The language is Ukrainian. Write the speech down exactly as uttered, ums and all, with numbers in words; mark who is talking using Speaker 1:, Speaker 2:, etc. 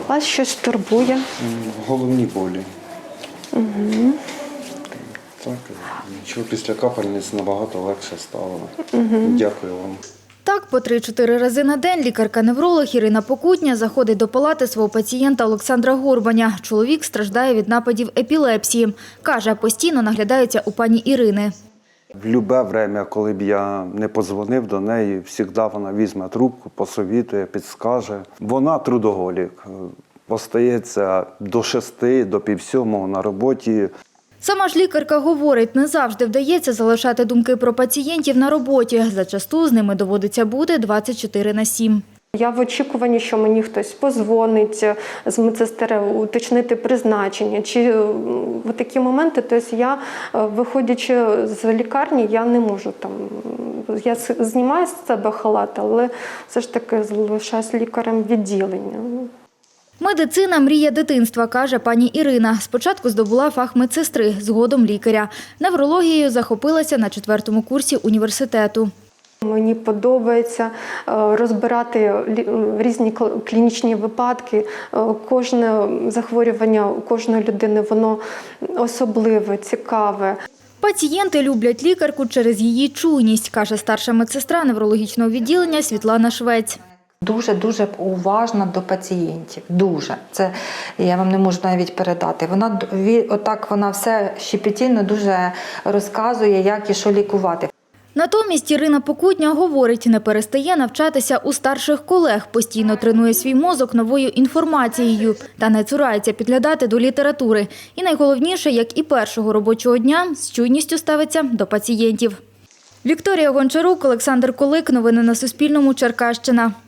Speaker 1: Вас щось турбує?
Speaker 2: Головні болі.
Speaker 1: Угу.
Speaker 2: Так, нічого, після капельниць набагато легше стало. Угу. Дякую вам.
Speaker 3: Так, по три-чотири рази на день лікарка-невролог Ірина Покутня заходить до палати свого пацієнта Олександра Горбаня. Чоловік страждає від нападів епілепсії. Каже, постійно наглядається у пані Ірини.
Speaker 2: В любе время, коли б я не подзвонив до неї, завжди вона візьме трубку, посовітує, підскаже. Вона трудоголік. Остається до шести, до півсьомого на роботі.
Speaker 3: Сама ж лікарка говорить, не завжди вдається залишати думки про пацієнтів на роботі. Зачасту з ними доводиться бути двадцять чотири на сім.
Speaker 1: Я в очікуванні, що мені хтось позвонить з медсестри, уточнити призначення. Чи в такі моменти, тобто я, виходячи з лікарні, я не можу там, я знімаю з себе халат, але все ж таки залишаюсь лікарем відділення.
Speaker 3: Медицина – мрія дитинства, каже пані Ірина. Спочатку здобула фах медсестри, згодом лікаря. Неврологією захопилася на четвертому курсі університету.
Speaker 1: Мені подобається розбирати різні клінічні випадки. Кожне захворювання у кожної людини, воно особливе, цікаве.
Speaker 3: Пацієнти люблять лікарку через її чуйність, каже старша медсестра неврологічного відділення Світлана Швець.
Speaker 4: Дуже-дуже уважна до пацієнтів. Дуже. Це я вам не можу навіть передати. Вона, отак вона все щепетільно дуже розказує, як і що лікувати.
Speaker 3: Натомість Ірина Покутня говорить, не перестає навчатися у старших колег, постійно тренує свій мозок новою інформацією та не цурається підглядати до літератури. І найголовніше, як і першого робочого дня, з чуйністю ставиться до пацієнтів. Вікторія Гончарук, Олександр Колик. Новини на Суспільному. Черкащина.